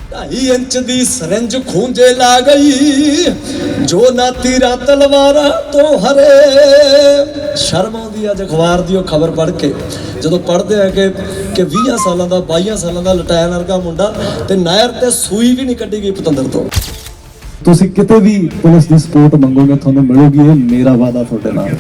2.5 inch दी सरंज खूंजे ला गई जो ना तीरा तलवारा तो हरे। शर्म आउंदी अज अखबार दी खबर पढ़ के ਜਦੋਂ पढ़ते हैं कि 20 सालों का 22 सालों का लटायन वर्गा मुंडा ते नहर ते सूई भी नहीं कड्डी गई पतंदर तो। ਤੁਸੀਂ ਕਿਤੇ ਵੀ ਪੁਲਿਸ ਦੀ ਸਪੋਰਟ ਮੰਗੋਗੇ ਤੁਹਾਨੂੰ ਮਿਲੂਗੀ, ਇਹ ਮੇਰਾ ਵਾਅਦਾ ਤੁਹਾਡੇ ਨਾਲ।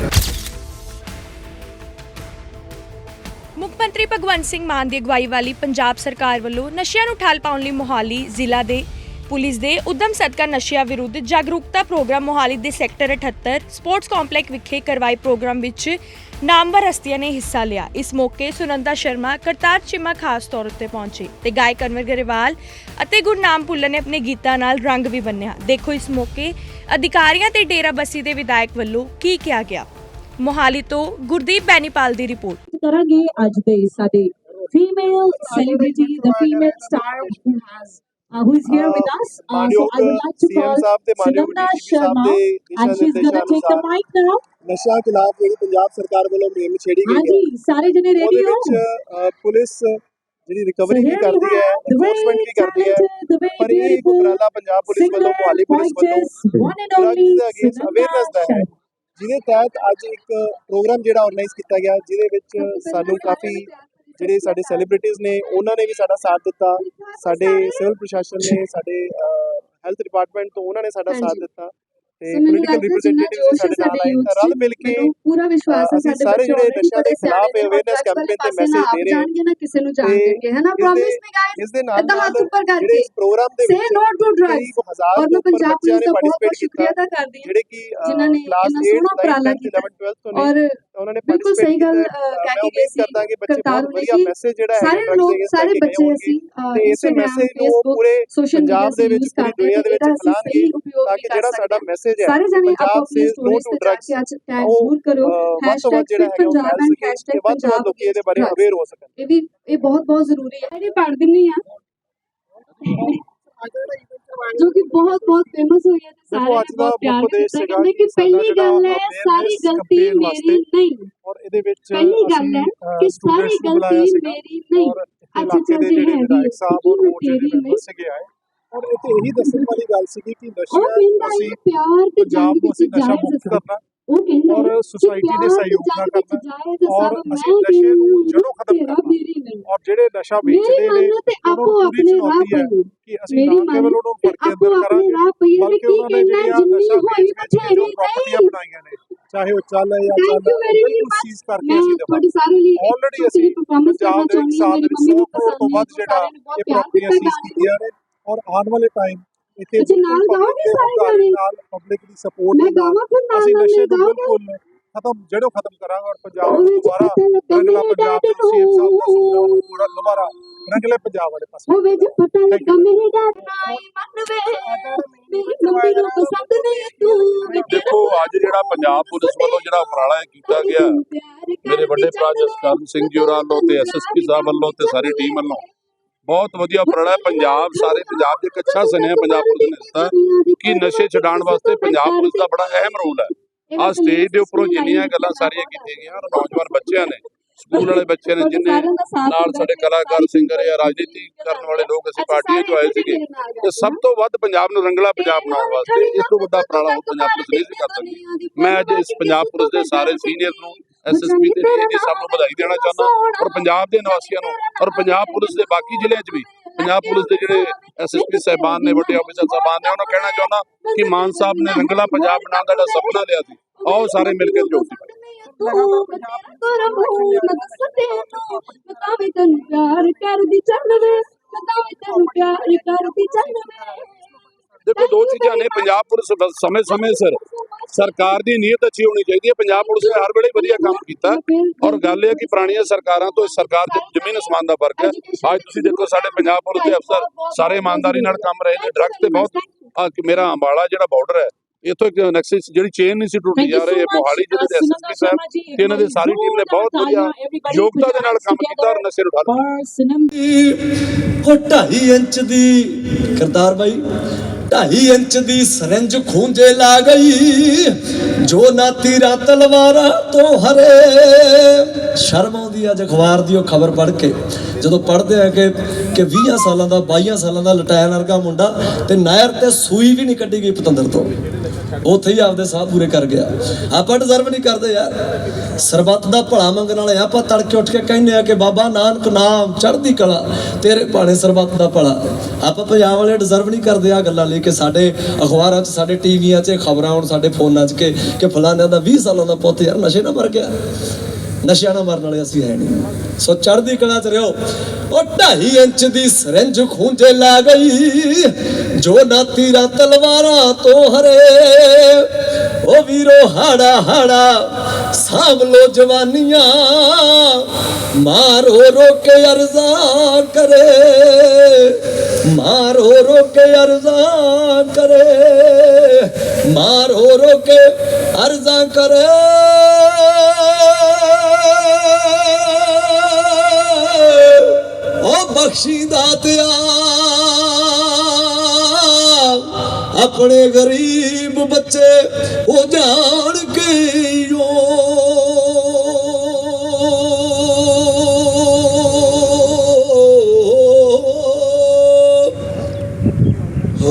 ਮੁੱਖ ਮੰਤਰੀ ਭਗਵੰਤ ਸਿੰਘ ਮਾਨ ਦੀ ਅਗਵਾਈ ਵਾਲੀ ਪੰਜਾਬ ਸਰਕਾਰ ਵੱਲੋਂ ਨਸ਼ਿਆਂ ਨੂੰ ਠੱਲ ਪਾਉਣ ਲਈ ਮੋਹਾਲੀ ਜ਼ਿਲ੍ਹਾ ਦੇ ਪੁਲਿਸ ਦੇ ਉਦਮ ਸਦਕਾ ਨਸ਼ਿਆਂ ਵਿਰੁੱਧ ਜਾਗਰੂਕਤਾ ਪ੍ਰੋਗਰਾਮ ਮੋਹਾਲੀ ਦੇ ਸੈਕਟਰ 78 ਸਪੋਰਟਸ ਕੰਪਲੈਕਸ ਵਿਖੇ ਕਰਵਾਏ ਪ੍ਰੋਗਰਾਮ ਵਿੱਚ ਨਾਮਵਰ ਹਸਤੀਆਂ ਨੇ ਹਿੱਸਾ ਲਿਆ। ਇਸ ਮੌਕੇ ਸੁਨੰਦਾ ਸ਼ਰਮਾ, ਕਰਤਾਰ ਚੀਮਾ ਖਾਸ ਤੌਰ ਉੱਤੇ ਪਹੁੰਚੇ ਤੇ ਗਾਇਕ ਅਨਵਰ ਗਰੇਵਾਲ ਅਤੇ ਗੁਰਨਾਮ ਭੁੱਲਰ ਨੇ ਆਪਣੇ ਗੀਤਾਂ ਨਾਲ ਰੰਗ ਵੀ ਬੰਨਿਆ। ਦੇਖੋ ਇਸ ਮੌਕੇ ਅਧਿਕਾਰੀਆਂ ਤੇ ਡੇਰਾਬੱਸੀ ਦੇ ਵਿਧਾਇਕ ਵੱਲੋਂ ਕੀ ਕਿਹਾ ਗਿਆ। ਮੋਹਾਲੀ ਤੋਂ ਗੁਰਦੀਪ ਬੈਨੀਪਾਲ ਦੀ ਰਿਪੋਰਟ। ਕਰਾਂਗੇ ਅੱਜ ਦੇ ਸਾਡੇ female celebrity the female star who is here with us. So I would like to call Sunanda Sharma and she's going to take the mic now. ਨਸ਼ਾ ਖਿਲਾਫ ਜਿਹੜੀ ਪੰਜਾਬ ਸਰਕਾਰ ਵੱਲੋਂ ਮੁਹਿੰਮ ਛੇੜੀ ਗਈ ਹੈ, ਹਾਂਜੀ ਸਾਰੇ ਜਣੇ ਰੈਡੀ ਹੋ। ਪੁਲਿਸ ਜਿਹੜੀ ਰਿਕਵਰੀ ਵੀ ਕਰਦੀ ਹੈ, ਐਨਫੋਰਸਮੈਂਟ ਵੀ ਕਰਦੀ ਹੈ, ਪਰ ਇਹ ਇੱਕ ਉਪਰਾਲਾ ਪੰਜਾਬ ਪੁਲਿਸ ਵੱਲੋਂ, ਮੁਹਾਲੀ ਪੁਲਿਸ ਵੱਲੋਂ ਡਰੱਗਸ ਦੇ ਅਗੇਂਸਟ ਅਵੇਅਰਨੈਸ ਦਾ ਹੈ, ਜਿਹਦੇ ਤਹਿਤ ਅੱਜ ਇੱਕ ਪ੍ਰੋਗਰਾਮ ਜਿਹੜਾ ਆਰਗੇਨਾਈਜ਼ ਕੀਤਾ ਗਿਆ, ਜਿਹਦੇ ਵਿੱਚ ਸਾਨੂੰ ਕਾਫੀ ਜਿਹੜੇ ਸਾਡੇ ਸੈਲੀਬ੍ਰਿਟੀਜ਼ ਨੇ ਉਹਨਾਂ ਨੇ ਵੀ ਸਾਡਾ ਸਾਥ ਦਿੱਤਾ, ਸਾਡੇ ਸਿਵਲ ਪ੍ਰਸ਼ਾਸਨ ਨੇ, ਸਾਡੇ ਹੈਲਥ ਡਿਪਾਰਟਮੈਂਟ ਤੋਂ ਉਹਨਾਂ ਨੇ ਸਾਡਾ ਸਾਥ ਦਿੱਤਾ ਤੇ ਪੋਲੀਟੀਕਲ ਰਿਪਰੈਜ਼ੈਂਟੇਟਿਵ ਸਾਡੇ ਨਾਲ ਆਏ ਤਾਂ ਰਲ ਮਿਲ ਕੇ ਪੂਰਾ ਵਿਸ਼ਵਾਸ ਹੈ ਸਾਡੇ ਸਾਰੇ ਜਿਹੜੇ ਨਸ਼ਾ ਦੇ ਖਿਲਾਫ ਅਵੇਅਰਨੈਸ ਕੈਂਪੇਨ ਤੇ ਮੈਸੇਜ ਦੇ ਰਹੇ ਜਾਣਗੇ ਨਾ ਕਿਸੇ ਨੂੰ ਜਾਣਗੇ, ਹੈ ਨਾ। ਪ੍ਰੋਮਿਸ ਮੀ ਗਾਇਸ ਇਸ ਦੇ ਨਾਲ ਹੱਥ ਉੱਪਰ ਕਰਕੇ ਇਸ ਪ੍ਰੋਗਰਾਮ ਦੇ ਵਿੱਚ ਸੇ ਨੋ ਟੂ ਡਰੱਗਸ ਔਰ ਮੈਂ ਪੰਜਾਬ ਪੁਲਿਸ ਦਾ ਬਹੁਤ ਸ਼ੁਕਰੀਆ ਅਦਾ ਕਰਦੀ ਹਾਂ ਜਿਹੜੇ ਕਿ ਜਿਨ੍ਹਾਂ ਨੇ ਕਲਾਸ ਇੰਨਾ 8 ਸੋਹਣਾ ਉਪਰਾਲਾ ਕੀਤਾ 11 12 ਤੋਂ ਔਰ ਉਹਨਾਂ ਨੇ ਬਿਲਕੁਲ ਸਹੀ ਗੱਲ ਕਹਿ ਕੇ ਗਏ ਸੀ ਕਰਦਾ ਕਿ ਬੱਚੇ ਬਹੁਤ ਵਧੀਆ ਮੈਸੇਜ ਜਿਹੜਾ ਹੈ ਸਾਰੇ ਲੋਕ ਸਾਰੇ ਬੱਚੇ ਅਸੀਂ ਤੇ ਇਸੇ ਮੈਸੇਜ ਨੂੰ ਪੂਰੇ ਪੰਜਾਬ ਦੇ ਵਿੱਚ ਪੂਰੀ ਦੁਨੀਆ ਦੇ ਵਿੱਚ ਫੈਲਾਣਗੇ ਤਾਂ ਕਿ ਜਿਹੜਾ ਸਾਡਾ ਮੈਸੇਜ ਹੈ Punjab says no to drugs ਜ਼ਰੂਰ ਕਰੋ #ਪੰਜਾਬ ਐਂਡ #ਪੰਜਾਬ ਲੋਕੀ ਇਹਦੇ ਬਾਰੇ ਅਵੇਅਰ ਹੋ ਸਕਣ। ਇਹ ਬਹੁਤ ਜ਼ਰੂਰੀ ਹੈ। ਇਹ ਪੜ੍ਹ ਦਿੰਨੀ ਆ जो कि बहुत फेमस हुई है, सारे बहुत प्यार करते हैं कि पहली गल है सारी गलती मेरी नहीं, और ਇਹਦੇ ਵਿੱਚ पहली गल है कि सारी गलती मेरी नहीं। अच्छा जी है ਵਿਧਾਇਕ ਸਾਹਿਬ और ਉਹ ਜਿਹੜੇ ਮੈਂਬਰ ਸੀਗੇ ਆਏ ਔਰ ਇੱਥੇ ਇਹੀ ਦੱਸਣ ਵਾਲੀ ਗੱਲ ਸੀਗੀ ਕਿ ਨਸ਼ਾ ਅਸੀਂ प्यार ते ਪੰਜਾਬ ਨੂੰ ਅਸੀਂ ਨਸ਼ਾ ਮੁਕਤ ਕਰਨਾ और सोसाइटी के सहयोग ना करना और ਅਸੀਂ ਨਸ਼ੇ ਨੂੰ ਜੜੋਂ ਖਤਮ ਕਰਨਾ और ਜਿਹੜੇ ਨਸ਼ਾ ਵੇਚਦੇ ਨੇ ਆਪੋ ਆਪਣੇ ਰਾਹ ਪਏ ਕਿ ਅਸੀਂ ਨਾ ਕੇਵਲ ਉਹਨੂੰ ਫੜ ਕੇ ਅੰਦਰ ਕਰਾਂਗੇ ਬਲਕਿ ਉਹਨਾਂ ਨੇ ਜਿਹੜੀਆਂ ਨਸ਼ਾ ਵੇਚ ਕੇ ਜੋ ਪ੍ਰਾਪਰਟੀਆਂ ਬਣਾਈਆਂ ਨੇ ਚਾਹੇ ਉਹ ਚੱਲ ਜਾਂ ਚੱਲ ਸੀਜ਼ ਕਰਕੇ ਅਸੀਂ ਦੇਵਾਂਗੇ। ਆਲਰੇਡੀ ਅਸੀਂ ਪੰਜਾਬ ਦੇ ਇੱਕ ਸਾਲ ਦੇ 100 ਕਰੋੜ ਤੋਂ ਵੱਧ ਜਿਹੜਾ ਇਹ ਪ੍ਰਾਪਰਟੀਆਂ ਸੀਜ਼ ਕੀਤੀਆਂ ਨੇ ਔਰ ਆਉਣ ਵਾਲੇ ਟਾਈਮ ਇੱਥੇ ਨਾਲ ਪਬਲਿਕ ਦੀ ਸਪੋਰਟ ਨਾਲ ਅਸੀਂ ਨਸ਼ੇ ਨੂੰ ਬਿਲਕੁਲ ਜੜੋਂ ਖਤਮ ਕਰਾਂਗੇ ਔਰ ਪੰਜਾਬ ਨੂੰ ਦੁਬਾਰਾ ਰੰਗਲਾ ਪੰਜਾਬ ਦੇ ਸੀਐਮ ਸਾਹਿਬ ਦਾ ਸੁਪਨਾ ਨੂੰ ਪੂਰਾ ਦੁਬਾਰਾ ਰੰਗਲੇ ਪੰਜਾਬ ਵਾਲੇ ਪਾਸੇ ਹੋਵੇ ਜੇ ਪਤਾ ਲੱਗਾ ਮੇਰੇ ਡਰ ਨਾਈ ਮੰਨਵੇ ਮੇਰੀ ਮੰਮੀ ਨੂੰ ਪਸੰਦ ਨਹੀਂ ਤੂੰ। ਦੇਖੋ ਅੱਜ ਜਿਹੜਾ ਪੰਜਾਬ ਪੁਲਿਸ ਵੱਲੋਂ ਜਿਹੜਾ ਉਪਰਾਲਾ ਕੀਤਾ ਗਿਆ ਮੇਰੇ ਵੱਡੇ ਭਰਾ ਜਸਕਰਨ ਸਿੰਘ ਜੀ ਹੋਰਾਂ ਵੱਲੋਂ ਤੇ ਐਸਐਸਪੀ ਸਾਹਿਬ ਵੱਲੋਂ ਤੇ ਸਾਰੀ ਟੀਮ ਵੱਲੋਂ ਬਹੁਤ ਵਧੀਆ ਉਪਰਾਲਾ ਹੈ। ਪੰਜਾਬ ਸਾਰੇ ਪੰਜਾਬ ਦੇ ਇੱਕ ਅੱਛਾ ਸੁਨੇਹਾ ਪੰਜਾਬ ਪੁਲਿਸ ਨੇ ਦਿੱਤਾ ਕਿ ਨਸ਼ੇ ਛਡਾਉਣ ਵਾਸਤੇ ਪੰਜਾਬ ਪੁਲਿਸ ਦਾ ਬੜਾ ਅਹਿਮ ਰੋਲ ਹੈ। ਆਹ ਸਟੇਜ ਦੇ ਉੱਪਰੋਂ ਜਿੰਨੀਆਂ ਗੱਲਾਂ ਸਾਰੀਆਂ ਕੀਤੀਆਂ ਗਈਆਂ ਨੌਜਵਾਨ ਬੱਚਿਆਂ ਨੇ, ਸਕੂਲ ਵਾਲੇ ਬੱਚੇ ਨੇ, ਜਿੰਨੇ ਨਾਲ ਸਾਡੇ ਕਲਾਕਾਰ ਸਿੰਗਰ ਜਾਂ ਰਾਜਨੀਤੀ ਕਰਨ ਵਾਲੇ ਲੋਕ ਅਸੀਂ ਪਾਰਟੀਆਂ ਚੋਂ ਆਏ ਸੀਗੇ ਤੇ ਸਭ ਤੋਂ ਵੱਧ ਪੰਜਾਬ ਨੂੰ ਰੰਗਲਾ ਪੰਜਾਬ ਬਣਾਉਣ ਵਾਸਤੇ ਇਸ ਤੋਂ ਵੱਡਾ ਉਪਰਾਲਾ ਹੁਣ ਪੰਜਾਬ ਪੁਲਿਸ ਨਹੀਂ ਸੀ ਕਰ ਸਕਦੀ। ਮੈਂ ਅੱਜ ਇਸ ਪੰਜਾਬ ਪੁਲਿਸ ਦੇ ਸਾਰੇ ਸੀਨੀਅਰ ਨੂੰ, ਐਸਐਸਪੀ ਤੇ ਡੀਆਈਜੀ ਸਭ ਨੂੰ ਵਧਾਈ ਦੇਣਾ ਚਾਹੁੰਦਾ ਔਰ ਪੰਜਾਬ ਦੇ ਨਿਵਾਸੀਆਂ ਨੂੰ ਔਰ ਪੰਜਾਬ ਪੁਲਿਸ ਦੇ ਬਾਕੀ ਜ਼ਿਲ੍ਹਿਆਂ 'ਚ ਵੀ ਪੰਜਾਬ ਪੁਲਿਸ ਦੇ ਜਿਹੜੇ ਐਸਐਸਪੀ ਸਾਹਿਬਾਨ ਨੇ, ਵੱਡੇ ਆਫੀਸਰ ਸਾਹਿਬਾਨ ਨੇ, ਉਹਨਾਂ ਨੂੰ ਕਹਿਣਾ ਚਾਹੁੰਦਾ ਕਿ ਮਾਨ ਸਾਹਿਬ ਨੇ ਰੰਗਲਾ ਪੰਜਾਬ ਬਣਾਉਣ ਦਾ ਜਿਹੜਾ ਸੁਪਨਾ ਲਿਆ ਸੀ ਆਓ ਸਾਰੇ ਮਿਲ ਕੇ ਜੋੜ ਦਿੱਤਾ। ਦੇਖੋ ਦੋ ਚੀਜ਼ਾਂ ਨੇ, ਪੰਜਾਬ ਪੁਲਿਸ ਸਮੇਂ ਸਿਰ ਸਰਕਾਰ ਦੀ ਨੀਅਤ ਅੱਛੀ ਹੋਣੀ ਚਾਹੀਦੀ ਹੈ। ਪੰਜਾਬ ਪੁਲਿਸ ਨੇ ਹਰ ਵੇਲੇ ਵਧੀਆ ਕੰਮ ਕੀਤਾ ਔਰ ਗੱਲ ਇਹ ਹੈ ਕਿ ਪੁਰਾਣੀਆਂ ਸਰਕਾਰਾਂ ਤੋਂ ਇਸ ਸਰਕਾਰ ਦੇ ਜ਼ਮੀਨ ਅਸਮਾਨ ਦਾ ਫਰਕ ਹੈ। ਅੱਜ ਤੁਸੀਂ ਦੇਖੋ ਸਾਡੇ ਪੰਜਾਬ ਪੁਲਿਸ ਦੇ ਅਫਸਰ ਸਾਰੇ ਇਮਾਨਦਾਰੀ ਨਾਲ ਕੰਮ ਰਹੇ ਨੇ। ਡਰੱਗਸ ਤੇ ਬਹੁਤ ਮੇਰਾ ਅੰਬਾਲਾ ਜਿਹੜਾ ਬਾਰਡਰ ਹੈ ਇੱਥੋਂ ਇੱਕ ਨਕਸਲ ਜਿਹੜੀ ਚੇਨ ਨਹੀਂ ਸੀ ਟੁੱਟੀ ਜਾ ਰਹੀ, ਮੋਹਾਲੀ ਜ਼ਿਲ੍ਹੇ ਦੇ ਐਸਐਸਪੀ ਸਾਹਿਬ ਤੇ ਇਹਨਾਂ ਦੀ ਸਾਰੀ ਟੀਮ ਨੇ ਬਹੁਤ ਵਧੀਆ ਯੋਗਤਾ ਦੇ ਨਾਲ ਕੰਮ ਕੀਤਾ ਔਰ ਨਸ਼ੇ ਨੂੰ ਠੱਲ 2.5 इंच दी करतार भाई 2.5 इंच दी सरंज खूंजे ला गई जो ना तीरा तलवारा तो हरे। शर्म आउंदी अज अखबार दी खबर पढ़ के ਜਦੋਂ ਪੜ੍ਹਦੇ ਆ ਕਿ 20 ਸਾਲਾਂ ਦਾ 22 ਸਾਲਾਂ ਦਾ ਲਟਾਇਨ ਵਰਗਾ ਮੁੰਡਾ ਤੇ ਨਾਇਰ ਤੇ ਸੂਈ ਵੀ ਨਹੀਂ ਕੱਢੀ ਗਈ ਪਤੰਦਰ ਤੋਂ, ਉੱਥੇ ਹੀ ਆਪਦੇ ਸਾਹ ਪੂਰੇ ਕਰ ਗਿਆ। ਆਪਾਂ ਡਿਜ਼ਰਵ ਨਹੀਂ ਕਰਦੇ ਯਾਰ, ਸਰਬੱਤ ਦਾ ਭਲਾ ਮੰਗਣ ਵਾਲੇ ਆਪਾਂ ਤੜਕੇ ਉੱਠ ਕੇ ਕਹਿੰਦੇ ਆ ਕਿ ਬਾਬਾ ਨਾਨਕ ਨਾਮ ਚੜ੍ਹਦੀ ਕਲਾ ਤੇਰੇ ਭਾਣੇ ਸਰਬੱਤ ਦਾ ਭਲਾ। ਆਪਾਂ ਪੰਜਾਬ ਵਾਲੇ ਡਿਜ਼ਰਵ ਨਹੀਂ ਕਰਦੇ ਆ ਗੱਲਾਂ ਲੈ ਕੇ ਸਾਡੇ ਅਖਬਾਰਾਂ 'ਚ ਸਾਡੇ ਟੀਵੀਆਂ 'ਚ ਖਬਰਾਂ ਆਉਣ ਸਾਡੇ ਫੋਨਾਂ 'ਚ ਕਿ ਫਲਾਣਿਆਂ ਦਾ 20 ਸਾਲਾਂ ਦਾ ਪੁੱਤ ਯਾਰ ਨਸ਼ੇ ਨਾਲ ਮਰ ਗਿਆ। ਨਸ਼ਿਆਂ ਨਾਲ ਮਰਨ ਵਾਲੇ ਅਸੀਂ ਹੈ ਨਹੀਂ। ਸੋ ਚੜ੍ਹਦੀ ਕਲਾ 'ਚ ਰਹੋ। ਉਹ 2.5 ਇੰਚ ਦੀ ਸਰੰਜ ਖੂੰਜੇ ਲਾ ਗਈ ਜੋ ਨਾ ਤੀਰਾਂ ਤਲਵਾਰਾਂ ਤੋਂ ਹਰੇ। ਉਹ ਵੀਰੋ ਹਾੜਾ ਹਾੜਾ ਸਾਂਭ ਲੋ ਜਵਾਨੀਆਂ ਮਾਰੋ ਰੋ ਕੇ ਅਰਜ਼ਾਂ ਕਰੇ, ਮਾਰੋ ਰੋ ਕੇ ਅਰਜ਼ਾਂ ਕਰੇ, ਮਾਰੋ ਰੋ ਕੇ ਅਰਜ਼ਾਂ ਕਰੇ। ओ बख्शी दातिया अपने गरीब बच्चे हो जान